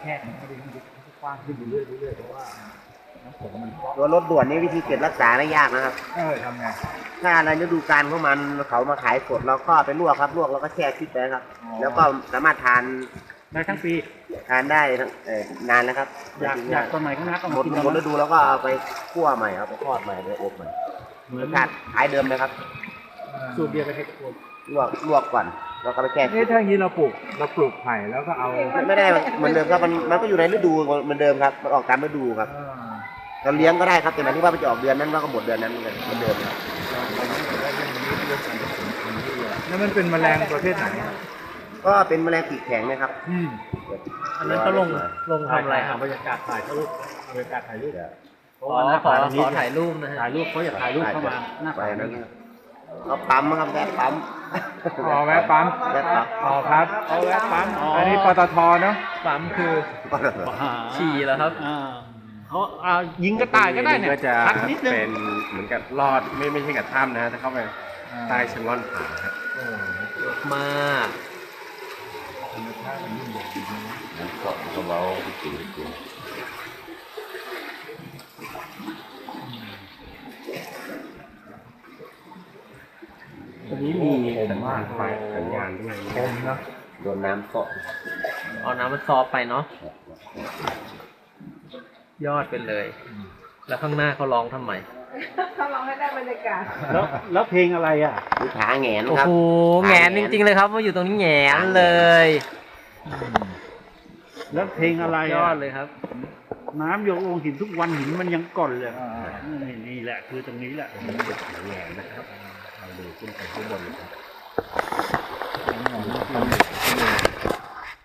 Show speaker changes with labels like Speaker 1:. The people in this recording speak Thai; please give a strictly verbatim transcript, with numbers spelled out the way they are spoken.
Speaker 1: แคบมันก็ดีมันกว้างขึ้นเรื่อยๆเรื่อยๆเพราะว่าน้ำฝนมัน
Speaker 2: ตัวรถด่วนนี่วิธีเก็บรักษาไม่ยากนะครับ
Speaker 1: เออทำไง
Speaker 2: ถ้าในฤดูกาลของมันเขามาขายสดเราก็ไปลวกครับลวกแล้วก็แช่ฟิตไว้ครับ แล้วก็สามารถทาน
Speaker 1: ได้ทั้งปี
Speaker 2: ทานได้ทั้งเอ่อนานนะครับ
Speaker 1: อยากอยากตอนไหนก็นัดก็
Speaker 2: หม
Speaker 1: มา
Speaker 2: ด
Speaker 1: กิน
Speaker 2: หมดฤดูแล้วก็เอาไปคั่วใหม่เอาไปทอดใหม่ไปอบใหม่
Speaker 1: เหมื
Speaker 2: ร
Speaker 1: อน
Speaker 2: สชาติคล้ายเดิมเลยครับ
Speaker 1: สูตรเดียวกับเห็ดโคน
Speaker 2: ลวกลวกก่อนแล้วก็ไปแช่
Speaker 1: เอ๊ะถ้าอย่างนี้เราปลูกเราปลูกไผ่แล้วก็เอา
Speaker 2: ไม่ได้เหมือนเดิมครับมันมันก็อยู่ในฤดูเหมือนเดิมครับมันออกตามฤดูครับ
Speaker 1: เออ
Speaker 2: เราเลี้ยงก็ได้ครับแต่หมายถึงว่ามันจะออกเดือนนั้นว่าก็หมดเดือนนั้นเหมือนกันเหมือนเดิมครับ
Speaker 1: แล้วมันเป็นแมลงประเภทไหน
Speaker 2: ก็เป็นแมลงปีกแข็งนะครับ
Speaker 1: อืม
Speaker 3: อันนั้นก็ลงลงทำอะไรครับ
Speaker 1: บรรยากาศถ่ายเขารูปบรรยากาศถ่ายรูป
Speaker 3: ขอขอขอถ่ายรูปนะฮะ
Speaker 1: ถ่ายรูปเขาอยากถ่ายรูปเข้ามาหน้า
Speaker 2: ไป
Speaker 1: ถ่าย
Speaker 2: นั้น
Speaker 1: นี้
Speaker 2: เขาปั๊มครับแวะปั๊ม
Speaker 1: อ๋อแวะปั๊ม
Speaker 2: แวะปั๊ม
Speaker 1: อ๋อครับเอาแวะปั๊มอันนี้ปตทเนาะ
Speaker 3: ปั๊มคือ ฉี่
Speaker 1: ฉี่
Speaker 3: แล้วครับ
Speaker 1: เขาเอายิงกระต่ายก็ได้เนี่ย
Speaker 4: ก็จะ
Speaker 1: พักนิดนึง
Speaker 4: เป็นเหมือนกับลอดไม่ไม่ใช่กับถ้ำนะถ้าเข้าไปใต้ชั้นล่อนผาครับ
Speaker 3: มาก
Speaker 4: เบาๆจริงจริง
Speaker 1: ตัวนี้มี
Speaker 4: สัญญาณไฟสัญญาณด้วย
Speaker 1: คมนะ
Speaker 2: โดนน้ำเกาะ
Speaker 3: เอาน้ำมันซอฟไปเนาะ ยอดไปเลย แล้วข้างหน้าเขาร้องทำไม
Speaker 5: เขาลองให้ได้บรรยากาศ
Speaker 1: แล้วแล้วเพลงอะไรอ่ะ
Speaker 2: มีขาแหงน
Speaker 3: โอ้
Speaker 2: ครับ
Speaker 3: โหแงนจริงๆเลยครับมาอยู่ตรงนี้แงนเลย
Speaker 1: แล้วเพลงอะไร
Speaker 3: ยอดเลยครับ
Speaker 1: น้ำหยดลงหินทุกวันหินมันยังก่อนเลยนี่นี่แหละคือตรงนี้แหละ
Speaker 4: แหวนนะครับเราดูขึ้นไปข้างบนนะครับ